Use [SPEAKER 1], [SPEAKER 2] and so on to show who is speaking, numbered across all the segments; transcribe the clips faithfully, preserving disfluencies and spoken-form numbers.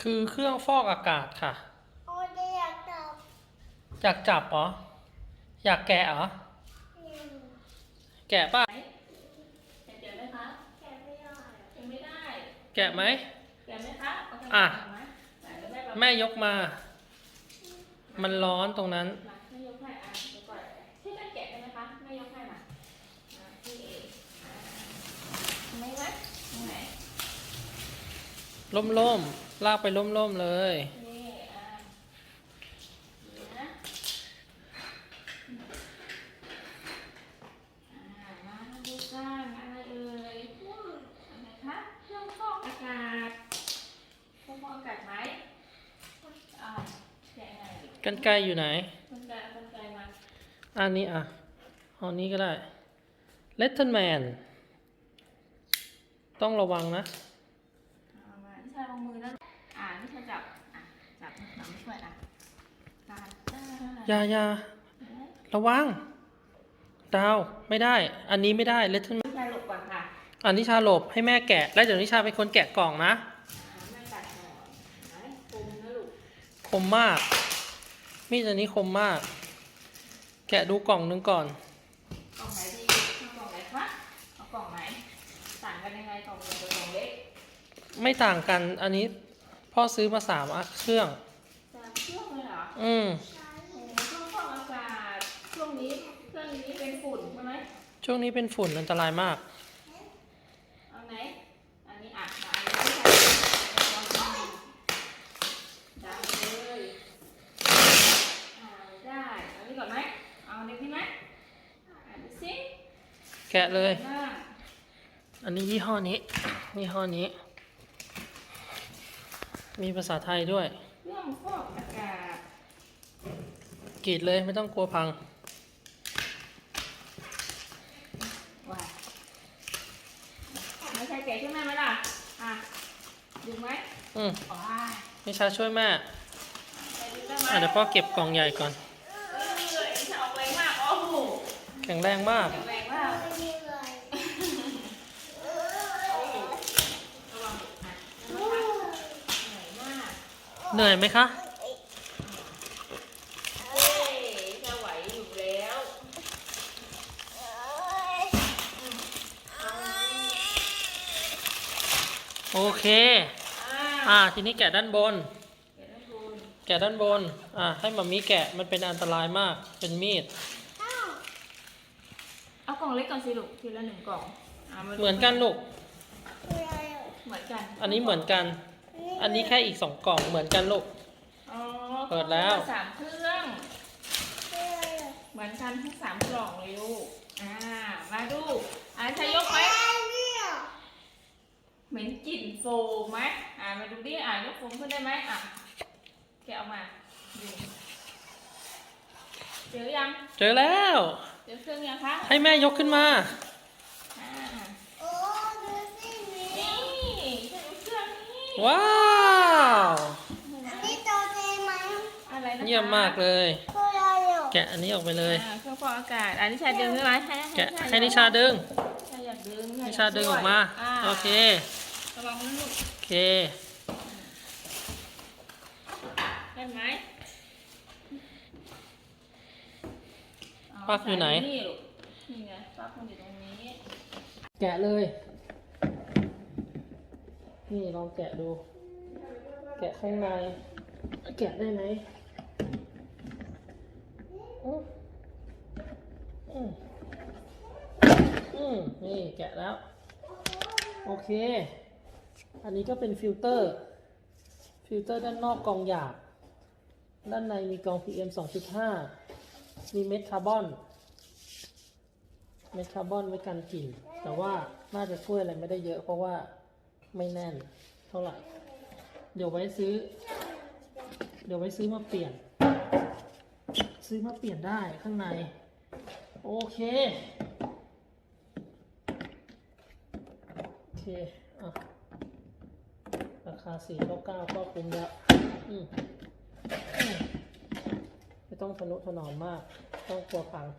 [SPEAKER 1] คือเครื่องฟอกอากาศค่ะ
[SPEAKER 2] โอ้ยอยากจับ
[SPEAKER 1] อยากจับเหรออยากแกะเหรอแกะป่ะ
[SPEAKER 3] แกะไหมคะ
[SPEAKER 2] แกะไม่ได้
[SPEAKER 3] แกะไม่ได้
[SPEAKER 1] แกะไหม
[SPEAKER 3] แกะไหมคะ
[SPEAKER 1] อ่ะ
[SPEAKER 3] แม่
[SPEAKER 1] แม่ยกมา มันร้อนตรงนั้น
[SPEAKER 3] แม่ยกให้อ่ะเดี๋ยวก่อนช่วยกันแกะได้ไหมคะแม่ยกให้มาพี่เอไม่ไหมตรงไหน
[SPEAKER 1] ล่มๆลากไปล่มๆเลย
[SPEAKER 3] นี่อ่ะนี่นะอ่ามาดูกันอะไรเอ่ยอะไรคะเครื่องฟอกอากาศเครื่องฟอกอากาศไหมอ่าแกะไง
[SPEAKER 1] กรรไกรอยู่ไหน
[SPEAKER 3] กรรไกรกรรไกรมา
[SPEAKER 1] อันนี้อ่ะเอานี้ก็ได้เลตเทิลแมนต้องระวังนะ
[SPEAKER 3] เอามานิชาลงมือนะอ่านิชาจับอ่ะจับจับไม่ช่วยอ่ะจับ
[SPEAKER 1] อยาอยาระวังดาวไม่ได้อันนี้ไม่ได้เลตเทิลแมน
[SPEAKER 3] นิชาหลบก่อนค่ะ
[SPEAKER 1] อันนิชาหลบให้แม่แกะแล้วเดี๋ยวนิชาเป็นคนแกะกล่องนะ
[SPEAKER 3] แม่ตัดก่อนไหนคมนะลูก
[SPEAKER 1] คมมากมีดอันนี้คมมากแกะดูกล่องนึงก่อน
[SPEAKER 3] กล่องไหนดีกล่องไหนคะเอากล่องไหนต่างกันยังไงกล่องใหญ่กับกล่องเล็ก
[SPEAKER 1] ไม่ต่างกันอันนี้พ่อซื้อมาสามเครื่อง
[SPEAKER 3] สามเครื่องเลยเหรอ
[SPEAKER 1] อืม
[SPEAKER 3] เครื่องฟอกอากาศช่วงนี้เครื่องนี้เป็นฝุ่นใช่ไหม
[SPEAKER 1] ช่วงนี้เป็นฝุ่นอันตรายมาก
[SPEAKER 3] เอาไหนอันนี้อ่ะอันนี้ใส่ดังเลยอ่าได้อันนี้ก่อนไหมเอาเด็กนี่ไหมอ่านดูสิ
[SPEAKER 1] แกะเลยอันนี้ยี่ห้อนี้ยี่ห้อนี้มีภาษาไทยด้วย
[SPEAKER 3] เครื่องฟอกอากาศ
[SPEAKER 1] กรีดเลยไม่ต้องกลัวพัง
[SPEAKER 3] ว้าไม่ใช่แกะช่วยแม่ไหมล่ะอ่ะดึงไหม
[SPEAKER 1] อืม
[SPEAKER 3] อ๋อ
[SPEAKER 1] นิชาช่วยแม่อ่ะเดี๋ยวพ่อเก็บกล่องใหญ่ก่อน
[SPEAKER 3] จะออกแรงมากโอ้โห
[SPEAKER 1] แข็งแรงมาก
[SPEAKER 3] แข็งแรงมาก
[SPEAKER 1] เหนื่อยไหมคะ
[SPEAKER 3] เฮ้ยจะไหวอยู่แล้ว
[SPEAKER 1] โอเคอ่าทีนี้แกะด้านบนแกะด้านบนอ่าให้มัมมี่แกะมันเป็นอันตรายมากเป็นมีด
[SPEAKER 3] เอากล่องเล็กก่อนสิลูกทีละหนึ่งกล่อง
[SPEAKER 1] เหมือนกันลูก
[SPEAKER 3] เหมือนกัน
[SPEAKER 1] อันนี้เหมือนกันอันนี้แค่อีกสองกล่องเหมือนกันลูกเปิดแล้ว
[SPEAKER 3] สามเครื่องเหมือนกันทั้งสามกล่องเลยลูกอ่ามาดูอ่าใช้ยกไหมเหม็นกลิ่นโฟมไหมอ่ามาดูดิอ่ายกโฟมขึ้นได้ไหมอ่ะแกะออกมาดูเจอยัง
[SPEAKER 1] เจอแล้ว
[SPEAKER 3] เจอเครื่องยังคะ
[SPEAKER 1] ให้แม่ยกขึ้นมา
[SPEAKER 3] อ่า
[SPEAKER 2] โอ้ดูสิ
[SPEAKER 3] นี่จะดูเครื่องนี้
[SPEAKER 1] ว้าว
[SPEAKER 2] อันนี้ตัวเต็มไหม
[SPEAKER 3] อะไรนะ
[SPEAKER 1] เยี่ยมมากเลยแกะอันนี้ออกไปเลย
[SPEAKER 3] เครื่องฟอกอากาศอันนี้ชาดึงใช่ไหม
[SPEAKER 1] แกะให้นิชาดึง
[SPEAKER 3] อยากดึง
[SPEAKER 1] นิชาดึงออกมาโอเค
[SPEAKER 3] ระวังนะลูก
[SPEAKER 1] โอเค
[SPEAKER 3] ได้ไหม
[SPEAKER 1] ปลั๊กอยู่ไหน
[SPEAKER 3] นี่ลูกนี่ไงปลั๊กมันอยู่ตรงนี้
[SPEAKER 1] แกะเลยนี่ลองแกะดูแกะข้างในแกะได้ไหมอืมอืมอืมนี่แกะแล้วโอเคอันนี้ก็เป็นฟิลเตอร์ฟิลเตอร์ด้านนอกกรองหยาบด้านในมีกรอง พี เอ็ม สองจุดห้า มีเม็ดคาร์บอนเม็ดคาร์บอนไว้กันกลิ่นแต่ว่าน่าจะช่วยอะไรไม่ได้เยอะเพราะว่าไม่แน่นเท่าไหร่เดี๋ยวไว้ซื้อเดี๋ยวไว้ซื้อมาเปลี่ยนซื้อมาเปลี่ยนได้ข้างในโอเคโอเคอ่ะราคาสี่ร้อยเก้าสิบเก้าก็คุ้มแล้วอืมไม่ต้องทนุถนอมมากต้องกลัวพัง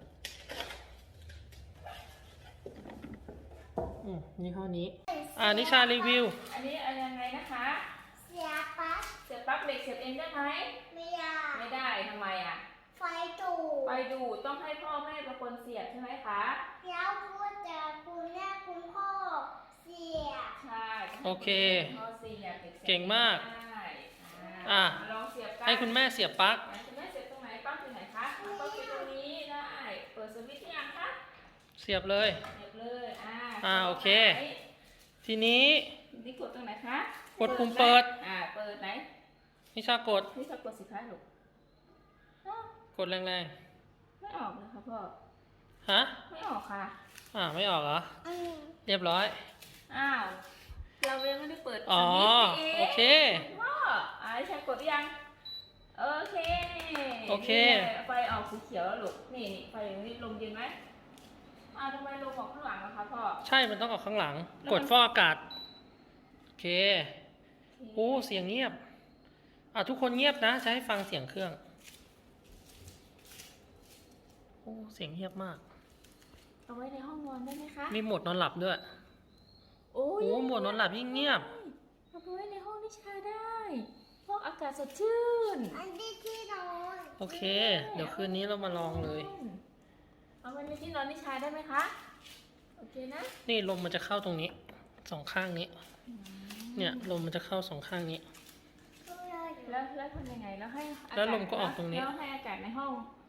[SPEAKER 1] อืมนี่ห้อนี้อ่านิชารีวิว
[SPEAKER 3] อันนี้อะไรยังไงนะคะ
[SPEAKER 2] เสียปั๊บ
[SPEAKER 3] เสียบเองได้ไหม
[SPEAKER 2] ไม่อยาก
[SPEAKER 3] ไม่ได้ทำไมอ่ะ
[SPEAKER 2] ไฟดูด
[SPEAKER 3] ไปดูต้องให้พ่อแม่เป็นคนเสียบใช่ไหมคะ
[SPEAKER 2] แล้วพูดจะคุณแม่คุณพ่อเสีย
[SPEAKER 3] ใช่
[SPEAKER 1] โอเค
[SPEAKER 3] พ่อเสียบด็สียบ
[SPEAKER 1] เก่งมาก
[SPEAKER 3] ได้
[SPEAKER 1] อ่ะ
[SPEAKER 3] ลองเสียบกัน
[SPEAKER 1] ให้คุณแม่เสียบปลั๊ก
[SPEAKER 3] ไหนคุณแม่เสียบตรงไหนปลั๊กอยู่ไหนคะปลั๊กอยู่ตรงนี้ได้ เปิดสวิตช์หรือยังคะ
[SPEAKER 1] เสียบเลย
[SPEAKER 3] เสียบเลยอ่า
[SPEAKER 1] อ่าโอเค ทีนี้
[SPEAKER 3] ทีนี้กดตรงไหนคะ
[SPEAKER 1] กดปุ่มเปิด
[SPEAKER 3] อ่าเปิดไหน
[SPEAKER 1] นิชากด
[SPEAKER 3] นี่จะกดสิคะลูกอ้าว
[SPEAKER 1] กดแรง
[SPEAKER 3] ไม่ออกเลยค่ะพ่อ
[SPEAKER 1] ๆ ฮะ
[SPEAKER 3] ไม่ออกค่ะ
[SPEAKER 1] อ่าไม่ออกเหรอ
[SPEAKER 2] อืม
[SPEAKER 1] เรียบร้อย
[SPEAKER 3] อ้าว เรายังไม่ได้เปิด
[SPEAKER 1] อ๋อ
[SPEAKER 3] สวิตช์
[SPEAKER 1] โอเค
[SPEAKER 3] พ่ออ่าใช้กดหรือยัง โอเค
[SPEAKER 1] โอเค
[SPEAKER 3] นี่ไฟออกสีเขียวแล้วลูก นี่นี่ไฟอย่างนี้ลมเย็นไหมอ้าวทำไมลมออกข้างหลังอะคะพ่อ
[SPEAKER 1] ใช่ มันต้องออกข้างหลัง
[SPEAKER 3] แล้วมัน
[SPEAKER 1] กดฟอกอากาศ โอเค
[SPEAKER 3] โอ
[SPEAKER 1] โอ้
[SPEAKER 3] เค
[SPEAKER 1] เสียงเงียบ อ่ะทุกคนเงียบนะ จะให้ฟังเสียงเครื่อง โอ้ เสียงเงียบมาก
[SPEAKER 3] เอาไว้ในห้องนอนได้ไหมคะ
[SPEAKER 1] มีโหมดนอนหลับด้วย
[SPEAKER 3] โอ้ย
[SPEAKER 1] โอ้โหมดนอนหลับยิ่งเงียบ
[SPEAKER 3] เอาไปไว้ในห้องนิชาได้ห้องอากาศสดชื่น
[SPEAKER 2] อันที่ที่นอน
[SPEAKER 1] โอเค เดี๋ยวคืนนี้เรามาลองเลย
[SPEAKER 3] เอาไว้ในที่นอนนิชาได้ไหมคะ โอเคนะ
[SPEAKER 1] นี่ลมมันจะเข้าตรงนี้ สองข้างนี้ เนี่ยลมมันจะเข้าสองข้างนี้
[SPEAKER 2] ก็เลยอยู่
[SPEAKER 3] แล้วแล้วทำยังไงแล้วให้อากาศ
[SPEAKER 1] แล้วลมก็ออกตรงนี้
[SPEAKER 3] แล้วให้อากาศในห้อง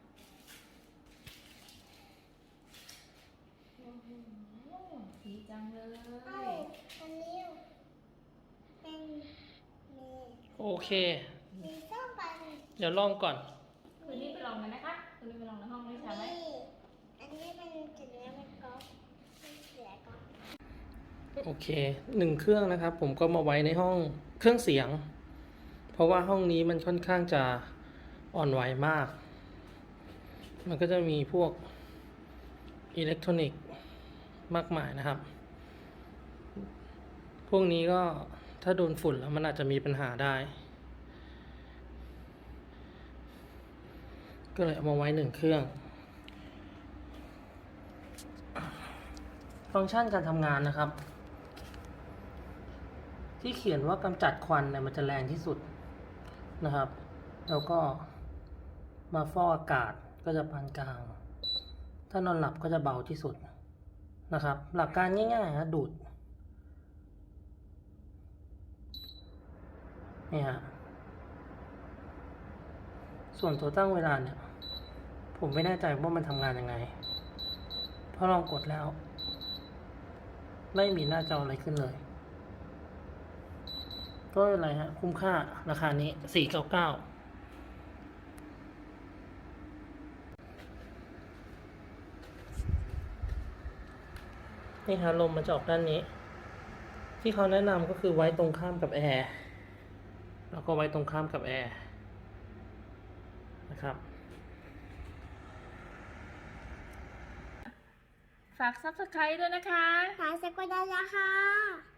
[SPEAKER 3] โอ้โหดีจังเลย
[SPEAKER 2] เอ้าอันนี้เป็นมี
[SPEAKER 1] โอเค
[SPEAKER 2] มีส้มปัน
[SPEAKER 1] เดี๋ยวลองก่อน
[SPEAKER 3] คืนนี้ไปลองกันนะคะคืนนี้ไปลองในห้องนิชาไหม
[SPEAKER 2] นี่อันนี้มันจุดนี้มันก็มันเสียก็
[SPEAKER 1] โอเค หนึ่งเครื่องนะครับ ผมก็มาไว้ในห้องเครื่องเสียง เพราะว่าห้องนี้มันค่อนข้างจะอ่อนไหวมาก มันก็จะมีพวกอิเล็กทรอนิกส์มากมายนะครับ พวกนี้ก็ถ้าโดนฝุ่นแล้วมันอาจจะมีปัญหาได้ ก็เลยเอามาไว้หนึ่งเครื่อง ฟังก์ชันการทำงานนะครับ ที่เขียนว่ากำจัดควันเนี่ยมันจะแรงที่สุดนะครับ แล้วก็มาฟอกอากาศก็จะปานกลาง ถ้านอนหลับก็จะเบาที่สุดนะครับ หลักการง่ายๆนะดูดนี่ฮะส่วนตัวตั้งเวลาเนี่ย ผมไม่แน่ใจว่ามันทำงานยังไง เพราะลองกดแล้ว ไม่มีหน้าจออะไรขึ้นเลย ก็อะไรฮะ คุ้มค่าราคานี้ สี่ร้อยเก้าสิบเก้า นี่ฮะลมมันจะออกด้านนี้ ที่เขาแนะนำก็คือไว้ตรงข้ามกับแอร์ แล้วก็ไว้ตรงข้ามกับแอร์นะครับ
[SPEAKER 3] ฝาก ซับสไครบ์ ด้วยนะคะ
[SPEAKER 2] ขายสกุลดาราค่ะ